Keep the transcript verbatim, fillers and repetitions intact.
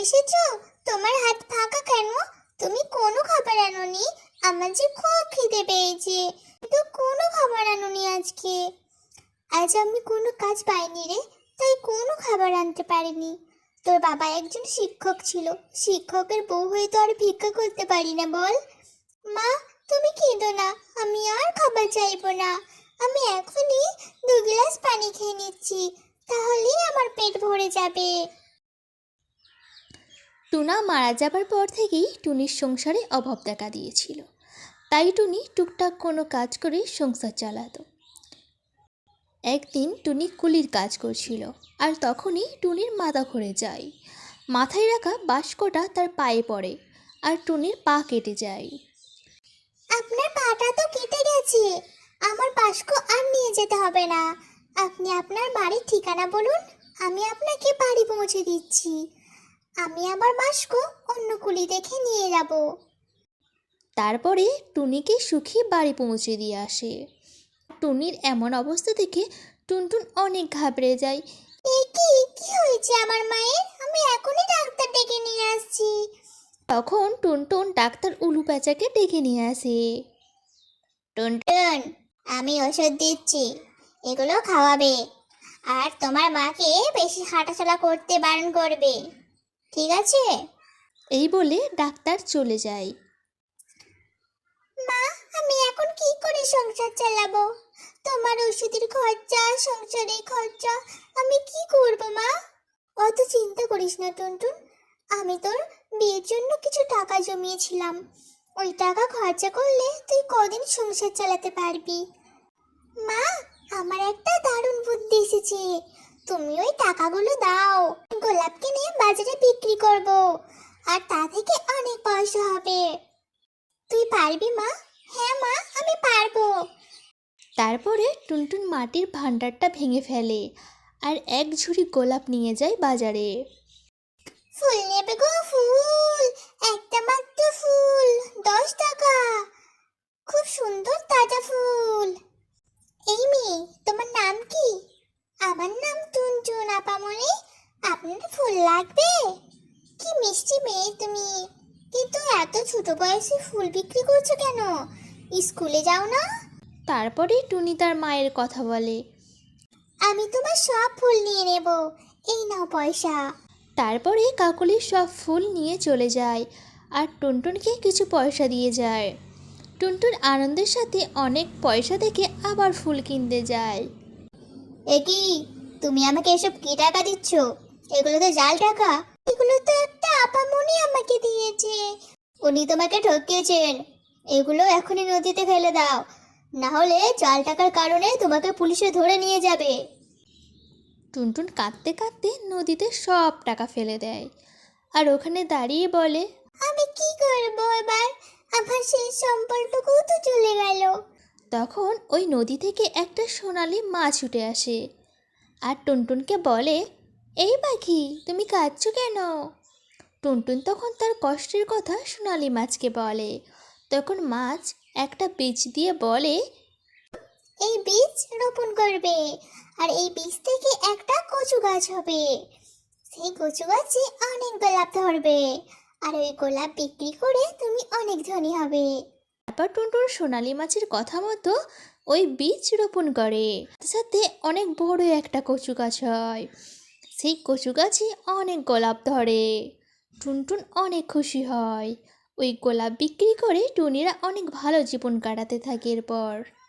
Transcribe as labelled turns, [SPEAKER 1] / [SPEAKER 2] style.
[SPEAKER 1] এসেছো? তোমার হাত ফাঁকা কেন? তুমি কোনো খাবার আনোনি? আমার যে খুব খিদে পেয়েছে, কিন্তু কোনো খাবার আনোনি আজকে। আজ আমি কোনো কাজ পাইনি রে, তাই কোনো খাবার আনতে পারিনি। তোর বাবা একজন শিক্ষক ছিল, শিক্ষকের বউ হয়ে তো আর ভিক্ষা করতে পারি না বল। মা, তুমি কেঁদো না, আমি আর খাবার চাইবো না। আমি এখনই দু গ্লাস পানি খেয়ে নিচ্ছি, তাহলেই আমার পেট ভরে যাবে।
[SPEAKER 2] টুনা মারা যাবার পর থেকেই টুনির সংসারে অভাব দেখা দিয়েছিল, তাই টুনি টুকটাক কোনো কাজ করে সংসার চালাতো। একদিন টুনি কুলির কাজ করছিল, আর তখনই টুনির মাথা ঘুরে যায়। মাথায় রাখা বাস্কটা তার পায়ে পড়ে, আর টুনির পা কেটে যায়।
[SPEAKER 1] আপনার পাটা তো কেটে গেছে, আমার বাস্ক আর নিয়ে যেতে হবে না। আপনি আপনার বাড়ির ঠিকানা বলুন, আমি আপনাকে বাড়ি পৌঁছে দিচ্ছি। আমি আমার বাস্ক অন্য কুলি দেখে নিয়ে যাব।
[SPEAKER 2] তারপরে টুনিকে সুখী বাড়ি পৌঁছে দিয়ে আসে। টুনির এমন অবস্থা দেখে টুনটুন অনেক ঘাবড়ে যায়।
[SPEAKER 1] এ কি কি হয়েছে আমার মায়ের? আমি এখনই ডাক্তার ডেকে নিয়ে আসছি।
[SPEAKER 2] তখন টুনটুন ডাক্তার উলু প্যাঁচাকে ডেকে নিয়ে আসে।
[SPEAKER 1] টুনটুন, আমি ওষুধ দিচ্ছি, এগুলো খাওয়াবে। আর তোমার মাকে বেশি হাঁটাচলা করতে বারণ করবে, ঠিক আছে?
[SPEAKER 2] এই বলে ডাক্তার চলে যায়।
[SPEAKER 1] মা, আমি এখন কি করে সংসার চালাবো? তোমার ওষুধের খরচা, সংসারের খরচা, আমি কি করব মা? অত চিন্তা করিস না টুনটুন, আমি তোর বিয়ের জন্য কিছু টাকা জমিয়েছিলাম, ওই টাকা খরচা করলে তুই কদিন সংসার চালাতে পারবি। মা, আমার একটা দারুণ বুদ্ধি এসেছে। তুমি ওই টাকাগুলো দাও, গোলাপ কিনে বাজারে বিক্রি করব, আর তা থেকে অনেক পয়সা হবে। তুই পারবি মা? হ্যাঁ মা, আমি পারবো।
[SPEAKER 2] তারপরে টুনটুন মাটির ভাণ্ডারটা ভেঙে ফেলে, আর এক ঝুড়ি গোলাপ নিয়ে যায় বাজারে।
[SPEAKER 1] ফুল নেবে গো, ফুল, একটা মাত্র ফুল, দশ টাকা, খুব সুন্দর তাজা ফুল। এই মেয়ে, তোমার নাম কি? আমার নাম টুনটুন আপামনি। আপনার ফুল লাগবে? কি মিষ্টি মেয়ে তুমি, কিন্তু এত ছোট বয়সে ফুল বিক্রি করছো কেন? স্কুলে যাও না?
[SPEAKER 2] তারপরে টুনি তার মায়ের কথা বলে।
[SPEAKER 1] আমি তোমার সব ফুল নিয়ে নেব, এই নাও পয়সা।
[SPEAKER 2] তারপরে কাকলি সব ফুল নিয়ে চলে যায়, আর টুনটুনকে কিছু পয়সা দিয়ে যায়। টুনটুন আনন্দের সাথে অনেক পয়সা থেকে আবার ফুল কিনতে যায়।
[SPEAKER 1] এ কি, তুমি আমাকে এসব কি টাকা দিচ্ছ? এগুলো তো জাল টাকা। এগুলো তো একটা আপামনি আমাকে দিয়েছে, উনি তোমাকে ঠকিয়েছেন। এগুলো এখনই নদীতে ফেলে দাও, না হলে জাল টাকার কারণে তোমাকে পুলিশে ধরে নিয়ে যাবে।
[SPEAKER 2] টুনটুন কাঁদতে কাঁদতে নদীতে সব টাকা ফেলে দেয়, আর ওখানে দাঁড়িয়ে বলে,
[SPEAKER 1] আমি কি করব এবার? আমার সেই সম্পর্কটুকুও তো চলে গেল।
[SPEAKER 2] তখন ওই নদী থেকে একটা সোনালি মাছ উঠে আসে, আর টুনটুনকে বলে, এই পাখি, তুমি কাঁদছো কেন? টুনটুন তখন তার কষ্টের কথা সোনালি মাছকে বলে। তখন মাছ একটা বীজ দিয়ে বলে,
[SPEAKER 1] এই বীজ রোপণ করবে, আর এই বীজ থেকে একটা কচু গাছ হবে। সেই কচু গাছে অনেক গোলাপ ধরবে, আর ওই গোলাপ বিক্রি করে তুমি অনেক ধনী হবে।
[SPEAKER 2] তারপর টুনটুন সোনালি মাছের কথা মতো ওই বীজ রোপণ করে, সাথে সাথে অনেক বড় একটা কচু গাছ হয়। সেই কচু গাছে অনেক গোলাপ ধরে। টুনটুন অনেক খুশি হয়। ওই গোলাপ বিক্রি করে টুনিরা অনেক ভালো জীবন কাটাতে থাকে এরপর।